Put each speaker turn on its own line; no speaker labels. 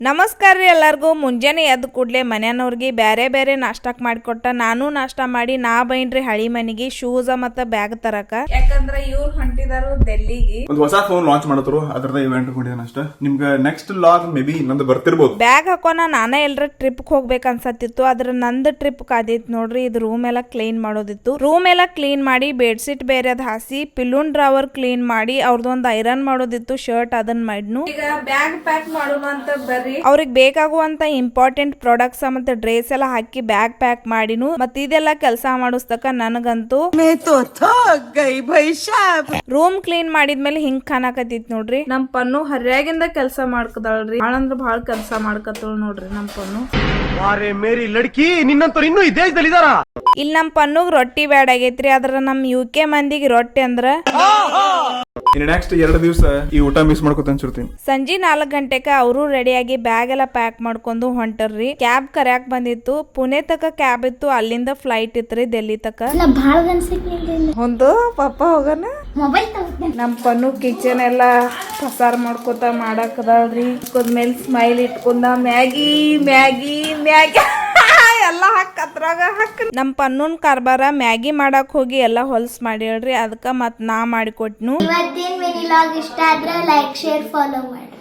ನಮಸ್ಕಾರ ರೀ ಎಲ್ಲರಿಗೂ. ಮುಂಜಾನೆ ಎದ್ದು ಕೂಡಲೇ ಮನೆಯವ್ರಿಗೆ ಬೇರೆ ಬೇರೆ ನಾಷ್ಟಾಕ್ ಮಾಡಿಕೊಟ್ಟ ನಾನು ನಾಷ್ಟಾ ಮಾಡಿ ನಾ ಬೈನ್ರಿ ಹಳಿ ಮನೆಗೆ ಶೂಸ್ ಮತ್ತು ಬ್ಯಾಗ್ ತರಕ. ಯಾಕಂದ್ರೆ ಇವ್ರು ಹೊಂಟಿದಾರು ಡೆಲ್ಲಿಗೆ
ಒಂದು ಹೊಸ ಫೋನ್ ಲಾಂಚ್ ಮಾಡತ್ರು, ಅದ್ರದ ಇವೆಂಟ್ ಕೊಂಡಿದ್ದಾನ ಅಷ್ಟ. ನಿಮ್ಗೆ ನೆಕ್ಸ್ಟ್ ಲಾಗ್ ಮೇ ಬಿ ನಂದು ಬರ್ತಿರ್ಬೋದು.
ಬ್ಯಾಗ್ ಹಾಕೋಣ ನಾನೇ ಎಲ್ಲರ ಟ್ರಿಪ್ ಹೋಗ್ಬೇಕು ಅನ್ಸತ್ತಿತ್ತು. ಅದ್ರ ನಂದು ಟ್ರಿಪ್ ಕಾದಿತ್ತು ನೋಡ್ರಿ. ಇದು ರೂಮ್ ಎಲ್ಲ ಕ್ಲೀನ್ ಮಾಡೋದಿತ್ತು. ರೂಮ್ ಎಲ್ಲ ಕ್ಲೀನ್ ಮಾಡಿ ಬೆಡ್ಶೀಟ್ ಬೇರೆ ಅದ್ ಹಾಸಿ ಪಿಲ್ಲೂನ್ ಡ್ರಾವರ್ ಕ್ಲೀನ್ ಮಾಡಿ ಅವ್ರದೊಂದು ಐರನ್ ಮಾಡೋದಿತ್ತು ಶರ್ಟ್, ಅದನ್ನ ಮಾಡಿದ್ನು. ಈಗ ಬ್ಯಾಗ್ ಪ್ಯಾಕ್ ಮಾಡೋಣ ಅಂತ ಬರ್ರಿ. ಅವ್ರಿಗೆ ಬೇಕಾಗುವಂತ ಇಂಪಾರ್ಟೆಂಟ್ ಪ್ರಾಡಕ್ಟ್ಸ್ ಮತ್ತೆ ಡ್ರೆಸ್ ಎಲ್ಲ ಹಾಕಿ ಬ್ಯಾಗ್ ಪ್ಯಾಕ್ ಮಾಡಿನು. ಮತ್ತೆ ಇದೆಲ್ಲ ಕೆಲಸ ಮಾಡಿಸ್ತಕ ನನಗಂತೂ ರೂಮ್ ಕ್ಲೀನ್ ಮಾಡಿದ್ಮೇಲೆ ಹಿಂಗ್ ಕಾಣಕತ್ತಿತ್ ನೋಡ್ರಿ. ನಮ್ ಪನ್ನು ಹರ್ಯಾಗಿಂದ ಕೆಲಸ ಮಾಡ್ಕದಾಳ್ರಿ. ಭಾಳ ಅಂದ್ರ ಭಾಳ ಕೆಲಸ ಮಾಡ್ಕತ್ತಳ ನೋಡ್ರಿ ನಮ್ ಪನ್ನು.
ಮೇರಿ ಲಡ್ಕಿ ನಿನ್ನಂತವ್ರು ಇನ್ನೂ ಈ ದೇಶದಲ್ಲಿ ಇದಾರ.
ಇಲ್ಲಿ ನಮ್ ಪನ್ನುಗ್ ರೊಟ್ಟಿ ಬ್ಯಾಡ್ ಆಗೈತ್ರಿ. ಅದ್ರ ನಮ್ UK ಮಂದಿಗೆ ರೊಟ್ಟಿ ಅಂದ್ರ
ಇನ್ನು ನೆಕ್ಸ್ಟ್ 2 ದಿವಸ ಈ ಊಟ ಮಿಸ್ ಮಾಡ್ಕೊತ ಅನ್ಸಿರ್ತೀನಿ.
ಸಂಜೆ 4 ಗಂಟೆಕ ಅವರು ರೆಡಿಯಾಗಿ ಬ್ಯಾಗ್ ಎಲ್ಲ ಪ್ಯಾಕ್ ಮಾಡ್ಕೊಂಡು ಹೊಂಟರ್ರಿ. ಕ್ಯಾಬ್ ಕರ್ಯಾಕ್ ಬಂದಿತ್ತು. ಪುಣೆ ತಕ ಕ್ಯಾಬ್ ಇತ್ತು, ಅಲ್ಲಿಂದ ಫ್ಲೈಟ್ ಇತ್ರಿ ಡೆಲ್ಲಿ ತಕ. ಒಂದು ಪಾಪ ಹೋಗನ ನಮ್ ಪನ್ನು ಕಿಚನ್ ಎಲ್ಲ ಪಸಾರ್ ಮಾಡ್ಕೊತ ಮಾಡಾಕದಾಳ್ರಿ. ಮೇಲೆ ಸ್ಮೈಲ್ ಇಟ್ಕೊಂಡ ಮ್ಯಾಗಿ ಮ್ಯಾಗಿ ಮ್ಯಾಗಿ ಎಲ್ಲ ಅದ್ರಾಗ ಹಾಕ್. ನಮ್ ಪನ್ನೂನ್ ಕಾರ್ಬಾರ ಮ್ಯಾಗಿ ಮಾಡಕ್ ಹೋಗಿ ಎಲ್ಲಾ ಹೊಲ್ಸ್ ಮಾಡ್ಯಾಳ್ರಿ. ಅದಕ್ಕ ಮತ್ ನಾ ಮಾಡಿಕೊಟ್ನು.
ಇವತ್ತಿನ ಮಿನಿ ಲಾಗ್ ಇಷ್ಟ ಆದ್ರೆ ಲೈಕ್ ಶೇರ್ ಫಾಲೋ ಮಾಡಿ.